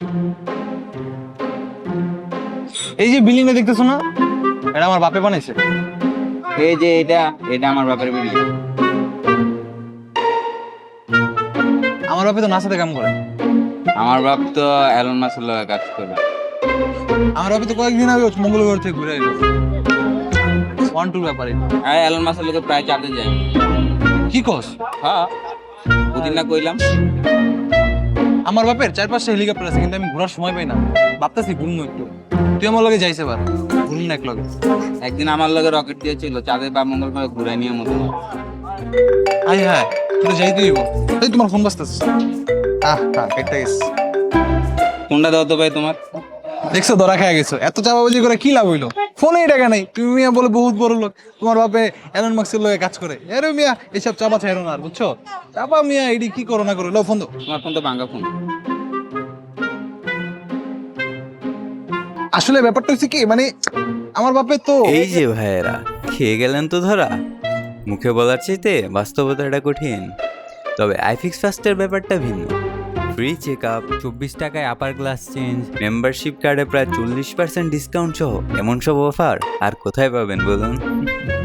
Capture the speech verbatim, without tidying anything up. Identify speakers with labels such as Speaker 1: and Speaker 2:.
Speaker 1: এই যে বিল্ডিংটা দেখতেছো না, এটা আমার বাপে বানাইছে।
Speaker 2: এই যে এটা এটা আমার বাপের বিল্ডিং।
Speaker 1: আমার বাপে তো নাসাতে কাম করে।
Speaker 2: আমার বাপ তো এলন মাসের লগে কাজ করে।
Speaker 1: আমার বাপে তো কয়েকদিন আগে মঙ্গলবার থেকে ঘুরে এলো। ওয়ান টুর ব্যাপারে
Speaker 2: আর এলন মাসের লগে প্রায় চাঁদে যাই।
Speaker 1: কি কস?
Speaker 2: হ্যাঁ, ওদিন না কইলাম।
Speaker 1: আমার বাপের চার পাঁচটা হেলিকপ্টার আছে, কিন্তু আমি ঘোরার সময় পাই না। ভাবতেছি ঘুরবো একটু। তুই আমার লগে যাইছে বার, ঘুরুন না এক লগে।
Speaker 2: একদিন আমার লগে রকেট দিয়েছিল চাঁদে বা মঙ্গল গ্রহে ঘুরে নিয়ে মতো।
Speaker 1: আই হ্যাঁ, তুই যাইতে দিব। এই তোমার ফোন বাজতেছে। আহ হ্যাঁ, কেটে গেছে।
Speaker 2: কোনটা দাও তো ভাই তোমার?
Speaker 1: দেখছো ধরা খেয়ে গেছো। এত চাপাবাজি করে কি লাভ হইলো? ফোনেই টাকা নাই, তুমি মিয়া বলে বহুত বড় লোক। তোমার বাপে এলন মাস্কের লগে কাজ করে। এরে মিয়া এইসব চাপা ছাড়ো না আর, বুঝছো? চাপা মিয়া এডি কি করো না করো, লো ফোন দাও।
Speaker 2: তোমার ফোন তো ভাঙ্গা ফোন।
Speaker 1: আসলে ব্যাপারটা হচ্ছে কি, মানে আমার বাপে তো
Speaker 3: এই যে ভাইয়েরা, খেয়ে গেলেন তো ধরা। মুখে বলার চাইতে বাস্তবতাটা কঠিন। তবে আইফিক্স ফাস্টের ব্যাপারটা ভিন্ন। ফ্রি চেক আপ, চব্বিশ টাকায় আপার গ্লাস চেঞ্জ, মেম্বারশিপ কার্ডে প্রায় চল্লিশ পার্সেন্ট ডিসকাউন্ট সহ এমন সব অফার আর কোথায় পাবেন বলুন?